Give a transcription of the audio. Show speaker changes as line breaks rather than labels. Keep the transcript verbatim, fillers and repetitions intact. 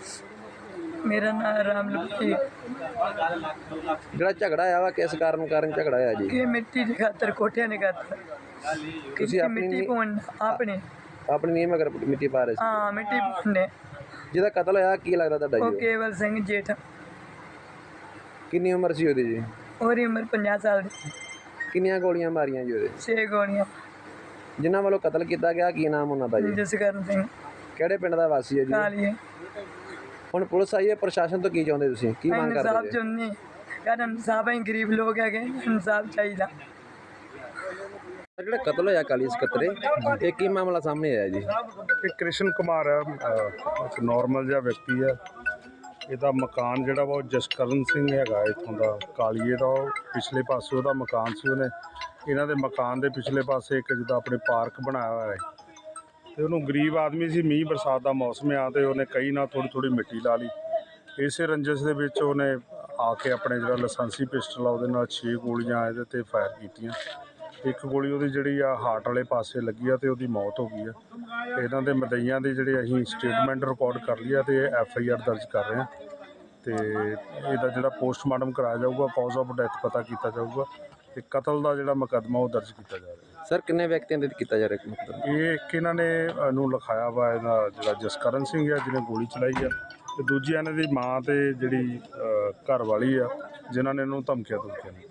मेरा नाम राम लपटी।
ਜਿਹੜਾ ਝਗੜਾ ਆਇਆ ਵਾ ਕਿਸ ਕਾਰਨ ਕਾਰਨ ਝਗੜਾ ਆਇਆ ਜੀ?
ये मिट्टी की खातर कोठिया ने खातर
ਤੁਸੀਂ ਆਪਣੀ
मिट्टी
ਨੀ-
पौन आपने
ਆਪਣੀ ਨੀਂਹ ਮਗਰ ਮਿੱਟੀ ਪਾ ਰਹੇ ਸੀ।
हाँ मिट्टी पौने
ਜਿਹਦਾ ਕਤਲ ਹੋਇਆ ਕੀ ਲੱਗਦਾ ਤੁਹਾਡਾ
वो
ਜੀ ਉਹ?
केवल सिंह जेठ
ਕਿੰਨੀ ਉਮਰ ਸੀ ਉਹਦੀ ਜੀ?
और उम्र पचास साल की।
ਕਿੰਨੀਆਂ ਗੋਲੀਆਂ ਮਾਰੀਆਂ ਜੀ ਉਹਦੇ?
छे गोलियां।
ਜਿਨ੍ਹਾਂ ਵੱਲੋਂ ਕਤਲ ਕੀਤਾ ਗਿਆ ਕੀ ਨਾਮ ਉਹਨਾਂ ਦਾ ਜੀ?
जसकरण सिंह
ਕਿਹੜੇ ਪਿੰਡ ਦਾ ਵਾਸੀ ਹੈ ਜੀ?
कालिए।
ਹੁਣ ਪੁਲਿਸ ਆਈ ਹੈ, ਪ੍ਰਸ਼ਾਸਨ ਤੋਂ ਕੀ ਚਾਹੁੰਦੇ ਤੁਸੀਂ, ਕੀ ਮੰਗ
इंसाफ
ਕਰਦੇ ਜੀ?
चुननी यार इंसाफ है गरीब लोग है इंसाफ चाहिए।
ਜਿਹੜਾ ਕਤਲ ਹੋਇਆ ਕਾਲੀ ਸਕੱਤਰੇ, ਇਹ ਕੀ ਮਾਮਲਾ ਸਾਹਮਣੇ ਆਇਆ ਜੀ?
ਇਹ ਕ੍ਰਿਸ਼ਨ ਕੁਮਾਰ ਹੈ, ਅਹ ਇੱਕ ਨੋਰਮਲ ਜਿਹਾ ਵਿਅਕਤੀ ਹੈ। ਇਹਦਾ ਮਕਾਨ ਜਿਹੜਾ ਵਾ ਉਹ ਜਸਕਰਨ ਸਿੰਘ ਹੈਗਾ ਇੱਥੋਂ ਦਾ ਕਾਲੀਏ ਦਾ। ਉਹ ਪਿਛਲੇ ਪਾਸੇ ਉਹਦਾ ਮਕਾਨ ਸੀ, ਉਹਨੇ ਇਹਨਾਂ ਦੇ ਮਕਾਨ ਦੇ ਪਿਛਲੇ ਪਾਸੇ ਇੱਕ ਜਿੱਦਾਂ ਆਪਣੇ ਪਾਰਕ ਬਣਾਇਆ ਹੋਇਆ ਹੈ ਅਤੇ ਉਹਨੂੰ ਗਰੀਬ ਆਦਮੀ ਸੀ, ਮੀਂਹ ਬਰਸਾਤ ਦਾ ਮੌਸਮ ਆ ਅਤੇ ਉਹਨੇ ਕਈ ਨਾਲ ਥੋੜ੍ਹੀ ਥੋੜ੍ਹੀ ਮਿੱਟੀ ਲਾ ਲਈ। ਇਸੇ ਰੰਜਿਸ਼ ਦੇ ਵਿੱਚ ਉਹਨੇ ਆ ਕੇ ਆਪਣੇ ਜਿਹੜਾ ਲਾਇਸੈਂਸੀ ਪਿਸਟਲ ਆ ਉਹਦੇ ਨਾਲ ਛੇ ਗੋਲੀਆਂ ਇਹਦੇ 'ਤੇ ਫਾਇਰ ਕੀਤੀਆਂ। ਇੱਕ ਗੋਲੀ ਉਹਦੀ ਜਿਹੜੀ ਆ ਹਾਰਟ ਵਾਲੇ ਪਾਸੇ ਲੱਗੀ ਆ ਅਤੇ ਉਹਦੀ ਮੌਤ ਹੋ ਗਈ ਆ। ਅਤੇ ਇਹਨਾਂ ਦੇ ਮਦਈਆਂ ਦੀ ਜਿਹੜੇ ਅਸੀਂ ਸਟੇਟਮੈਂਟ ਰਿਕਾਰਡ ਕਰ ਲਈ ਆ ਅਤੇ ਐਫ ਆਈ ਆਰ ਦਰਜ ਕਰ ਰਹੇ ਹਾਂ ਅਤੇ ਇਹਦਾ ਜਿਹੜਾ ਪੋਸਟਮਾਰਟਮ ਕਰਾਇਆ ਜਾਊਗਾ, ਕਾਜ਼ ਆਫ ਡੈਥ ਪਤਾ ਕੀਤਾ ਜਾਊਗਾ ਅਤੇ ਕਤਲ ਦਾ ਜਿਹੜਾ ਮੁਕੱਦਮਾ ਉਹ ਦਰਜ ਕੀਤਾ ਜਾ ਰਿਹਾ।
ਸਰ ਕਿੰਨੇ ਵਿਅਕਤੀਆਂ ਦੇ ਕੀਤਾ ਜਾ ਰਿਹਾ ਮਤਲਬ?
ਇਹ ਇੱਕ ਇਹਨਾਂ ਨੇ ਨੂੰ ਲਿਖਾਇਆ ਵਾ, ਇਹਦਾ ਜਿਹੜਾ ਜਸਕਰਨ ਸਿੰਘ ਆ ਜਿਹਨੇ ਗੋਲੀ ਚਲਾਈ ਆ, ਅਤੇ ਦੂਜੀ ਇਹਨਾਂ ਦੀ ਮਾਂ ਅਤੇ ਜਿਹੜੀ ਘਰ ਵਾਲੀ ਆ ਜਿਨ੍ਹਾਂ ਨੇ ਇਹਨੂੰ ਧਮਕੀਆਂ ਧਮਕੀਆਂ